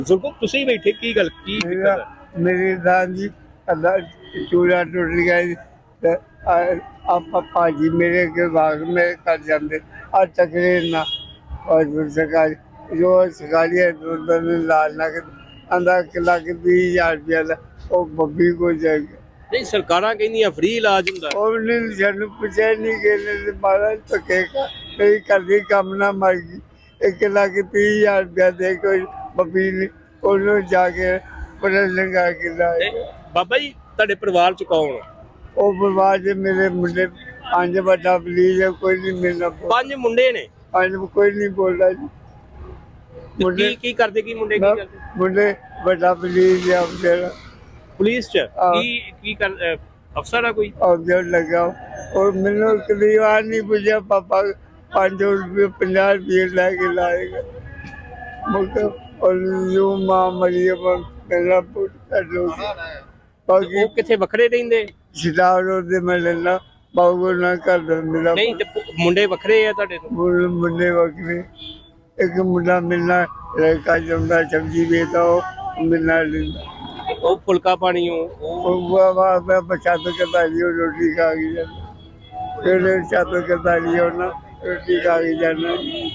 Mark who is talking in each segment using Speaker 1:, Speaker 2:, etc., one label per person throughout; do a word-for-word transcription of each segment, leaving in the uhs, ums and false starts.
Speaker 1: ਜ਼ੁਲਫ ਤੁਸੀਂ ਬੈਠੇ ਕੀ ਗੱਲ ਕੀ ਦਿੱਕਤ ਹੈ?
Speaker 2: मेरी दान जी अल्लाह चूड़ा टूट गया जी। ते आ- आप भाजी मेरे के बाग में कर जाते आ तकरीर ना और फिर सरकारी जो सरकारी है तो लाल ना आंदा किला के बीस हजार रुपया दा वो बब्बी को जाएगा
Speaker 1: ਨਹੀਂ ਸਰਕਾਰਾਂ ਕਹਿੰਦੀਆਂ ਫ੍ਰੀ ਇਲਾਜ ਹੁੰਦਾ।
Speaker 2: और नहीं जन पूछे नहीं गए मारा तो कहेगा मेरी कर दी कम ना मर गई एक लाख तीस हजार रुपया दे कोई बब्बी ने ਉਹਨੂੰ ਜਾ ਕੇ ਪੜ੍ਹ ਲੰਗਾ ਕੇ ਲਾਏ।
Speaker 1: ਤੇ ਬਾਬਾ ਜੀ ਤੁਹਾਡੇ ਪਰਿਵਾਰ ਚ ਕੌਣ ਆ?
Speaker 2: ਉਹ ਪਰਿਵਾਰ ਦੇ ਮੇਰੇ ਮੁੰਡੇ ਪੰਜ ਵੱਡਾ ਪਲੀਜ਼ ਕੋਈ ਨਹੀਂ ਮਿਲਣਾ
Speaker 1: ਪੰਜ ਮੁੰਡੇ ਨੇ।
Speaker 2: ਪੰਜ ਕੋਈ ਨਹੀਂ ਬੋਲਦਾ ਜੀ
Speaker 1: ਤੇ
Speaker 2: ਮੁੰਡੇ
Speaker 1: ਕੀ ਕੀ ਕਰਦੇ ਕੀ ਮੁੰਡੇ ਕੀ
Speaker 2: ਨਾ,
Speaker 1: ਕਰਦੇ?
Speaker 2: ਮੁੰਡੇ ਵੱਡਾ ਪਲੀਜ਼ ਆ ਮੇਰਾ
Speaker 1: ਪੁਲਿਸ ਚ
Speaker 2: ਹਾਂ।
Speaker 1: ਕੀ ਕੀ ਕਰ ਅਹ, ਅਫਸਰ ਆ ਕੋਈ?
Speaker 2: ਆਬਜਰ ਲਗਾ ਔਰ ਮੈਨੂੰ ਕਦੀ ਵਾਰ ਨਹੀਂ ਪੁੱਛਿਆ ਪਾਪਾ ਪੰਜ ਰੁਪਏ ਪੰਜਾਹ ਰੁਪਏ ਲੈ ਕੇ ਲਾਏਗਾ ਮੁਕਾ ਔਰ ਯੂ ਮਾਂ ਮਰੀਮ ਮੇਰਾ ਪੁੱਤ ਕਰ ਲੋ ਬਾਕੀ
Speaker 1: ਉਹ ਕਿੱਥੇ ਵੱਖਰੇ ਰਹਿੰਦੇ?
Speaker 2: ਸਿਤਾਰੋ ਦੇ ਮੈਂ ਲੈਣਾ ਬਾਬੂ ਨਾ ਕਰ ਮੇਰਾ
Speaker 1: ਨਹੀਂ ਤੇ ਪੁ- ਮੁੰਡੇ ਵੱਖਰੇ ਆ ਤੁਹਾਡੇ ਤੋਂ?
Speaker 2: ਮੁੰਡੇ ਮੁੰਡੇ ਵਕਰੇ ਇੱਕ ਮੁੰਡਾ ਮਿਲਣਾ ਲੜਕਾ ਜੰਦਾ ਸਬਜ਼ੀ ਵੇਚਦਾ ਉਹ ਮਿਲਣਾ ਲੈਂਦਾ
Speaker 1: ਉਹ ਫੁਲਕਾ ਪਾਣੀ ਉਹ ਉਹ
Speaker 2: ਉਹ ਬਾਬਾ ਮੈਂ ਬਚਾਤ ਕਰਦਾ ਲਿਓ ਰੋਟੀ ਖਾ ਕੇ ਜਾਂਦਾ ਫਿਰ ਛਾਤ ਕਰਦਾ ਲਿਓ ਨਾ ਰੋਟੀ ਖਾ ਕੇ ਜਾਣਾ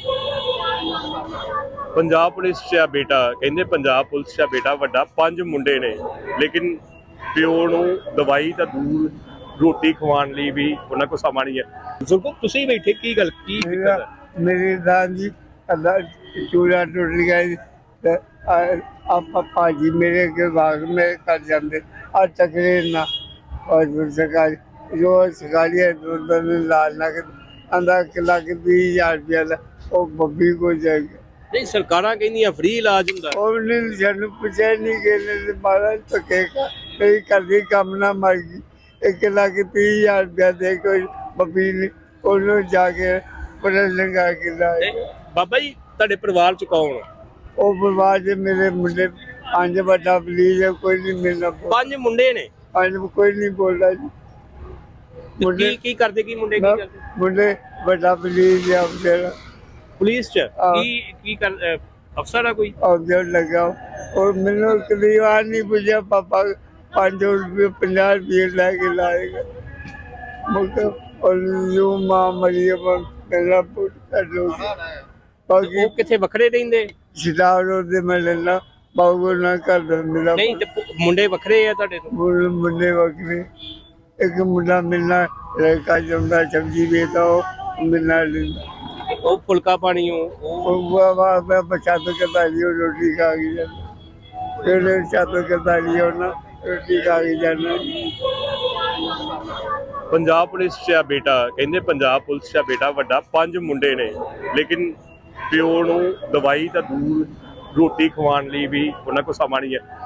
Speaker 1: ਪੰਜਾਬ ਪੁਲਿਸ 'ਚ ਆ ਬੇਟਾ, ਕਹਿੰਦੇ ਪੰਜਾਬ ਪੁਲਿਸ 'ਚ ਆ ਬੇਟਾ ਵੱਡਾ, ਪੰਜ ਮੁੰਡੇ ਨੇ ਲੇਕਿਨ ਪਿਓ ਨੂੰ ਦਵਾਈ ਤਾਂ ਦੂਰ ਰੋਟੀ ਖਵਾਉਣ ਲਈ ਵੀ ਉਹਨਾਂ ਕੋਲ ਸਮਾਂ ਨਹੀਂ ਹੈ। ਜ਼ੁਲਫ ਤੁਸੀਂ ਬੈਠੇ ਕੀ ਗੱਲ ਕੀ ਦਿੱਕਤ ਹੈ?
Speaker 2: ਮੇਰੀ ਦਾਨ ਜੀ ਅੱਲਾ ਚੂੜਾ ਟੁੱਟ ਗਿਆ ਜੀ। ਤੇ आप भाजी मेरे के बाग में कर जाते आ तकरीर ना और फिर सरकारी जो सरकारी है तो लाल ना आंदा किला के बीस हजार रुपया दा वो बब्बी को जाएगा
Speaker 1: ਨਹੀਂ ਸਰਕਾਰਾਂ ਕਹਿੰਦੀਆਂ ਫ੍ਰੀ ਇਲਾਜ ਹੁੰਦਾ।
Speaker 2: और नहीं जन पूछे नहीं गए मारा तो कहेगा मेरी कर दी कम ना मर गई एक लाख तीस हजार रुपया दे कोई बब्बी ने ਉਹਨੂੰ ਜਾ ਕੇ ਪੜ੍ਹ ਲੰਗਾ ਕੇ ਲਾਏ।
Speaker 1: ਤੇ ਬਾਬਾ ਜੀ ਤੁਹਾਡੇ ਪਰਿਵਾਰ 'ਚ ਕੌਣ ਆ?
Speaker 2: ਉਹ ਪਰਿਵਾਰ ਦੇ ਮੇਰੇ ਮੁੰਡੇ ਪੰਜ ਵੱਡਾ ਪਲੀਜ਼ ਕੋਈ ਨਹੀਂ ਮਿਲਣਾ
Speaker 1: ਪੰਜ ਮੁੰਡੇ ਨੇ।
Speaker 2: ਪੰਜ ਕੋਈ ਨਹੀਂ ਬੋਲਦਾ ਜੀ
Speaker 1: ਤੇ
Speaker 2: ਮੁੰਡੇ
Speaker 1: ਕੀ ਕੀ ਕਰਦੇ ਕੀ ਮੁੰਡੇ ਕੀ
Speaker 2: ਨਾ,
Speaker 1: ਕਰਦੇ?
Speaker 2: ਮੁੰਡੇ ਵੱਡਾ ਪਲੀਜ਼ ਆ ਮੇਰਾ
Speaker 1: ਪੁਲਿਸ 'ਚ
Speaker 2: ਹਾਂ।
Speaker 1: ਕੀ ਕੀ ਕਰ ਅਹ, ਅਫਸਰ ਆ ਕੋਈ?
Speaker 2: ਆਬਜਰ ਲਗਾ ਔਰ ਮੈਨੂੰ ਕਦੀ ਵਾਰ ਨਹੀਂ ਪੁੱਛਿਆ ਪਾਪਾ ਪੰਜ ਰੁਪਏ ਪੰਜਾਹ ਰੁਪਏ ਲੈ ਕੇ ਲਾਏਗਾ ਮੁਕਾ ਔਰ ਯੂ ਮਾਂ ਮਰੀਮ ਮੇਰਾ ਪੁੱਤ ਕਰ ਲੋ ਬਾਕੀ
Speaker 1: ਉਹ ਕਿੱਥੇ ਵੱਖਰੇ ਰਹਿੰਦੇ?
Speaker 2: ਸਿਤਾਰੋ ਦੇ ਮੈਂ ਲੈਣਾ ਬਾਬੂ ਨਾ ਕਰ ਮੇਰਾ
Speaker 1: ਨਹੀਂ ਤੇ ਪੁ- ਮੁੰਡੇ ਵੱਖਰੇ ਆ ਤੁਹਾਡੇ ਤੋਂ?
Speaker 2: ਮੁੰਡੇ ਮੁੰਡੇ ਵਕਰੇ ਇੱਕ ਮੁੰਡਾ ਮਿਲਣਾ ਲੜਕਾ ਜੰਦਾ ਸਬਜ਼ੀ ਵੇਚਦਾ ਉਹ ਮਿਲਣਾ ਲੈਂਦਾ
Speaker 1: ਉਹ ਫੁਲਕਾ ਪਾਣੀ ਉਹ ਉਹ
Speaker 2: ਉਹ ਬਾਬਾ ਮੈਂ ਬਚਾਤ ਕਰਦਾ ਲਿਓ ਰੋਟੀ ਖਾ ਕੇ ਜਾਂਦਾ ਫਿਰ ਛਾਤ ਕਰਦਾ ਲਿਓ ਨਾ ਰੋਟੀ ਖਾ ਕੇ ਜਾਣਾ
Speaker 1: ਪੰਜਾਬ ਪੁਲਿਸ 'ਚ ਆ ਬੇਟਾ, ਕਹਿੰਦੇ ਪੰਜਾਬ ਪੁਲਿਸ 'ਚ ਆ ਬੇਟਾ ਵੱਡਾ, ਪੰਜ ਮੁੰਡੇ ਨੇ ਲੇਕਿਨ ਪਿਓ ਨੂੰ ਦਵਾਈ ਤਾਂ ਦੂਰ ਰੋਟੀ ਖਵਾਉਣ ਲਈ ਵੀ ਉਹਨਾਂ ਕੋਲ ਸਮਾਂ ਨਹੀਂ ਹੈ।